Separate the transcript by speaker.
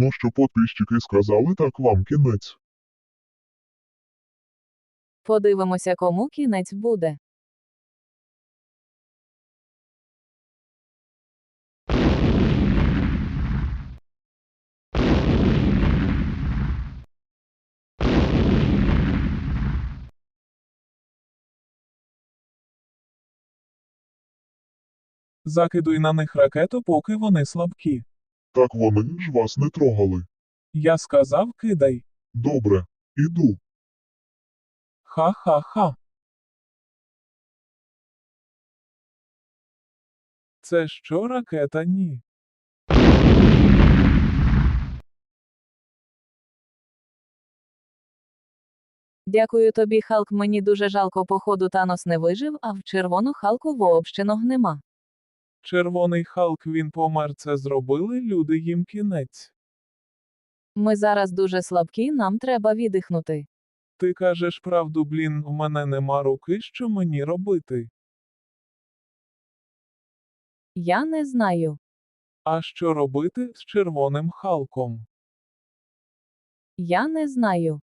Speaker 1: Ну що підписчики сказали, так вам кінець.
Speaker 2: Подивимося, кому кінець буде.
Speaker 3: Закидуй на них ракету, поки вони слабкі.
Speaker 1: Так вони ж вас не трогали.
Speaker 3: Я сказав, кидай.
Speaker 1: Добре, іду.
Speaker 3: Ха-ха-ха. Це що ракета? Ні.
Speaker 2: Дякую тобі, Халк. Мені дуже жалко, походу Танос не вижив, а в червону Халку вообще ног нема.
Speaker 3: Червоний Халк, він помер, це зробили люди, їм кінець.
Speaker 2: Ми зараз дуже слабкі, нам треба віддихнути.
Speaker 3: Ти кажеш правду, блін, в мене нема руки, що мені робити.
Speaker 2: Я не знаю.
Speaker 3: А що робити з червоним Халком?
Speaker 2: Я не знаю.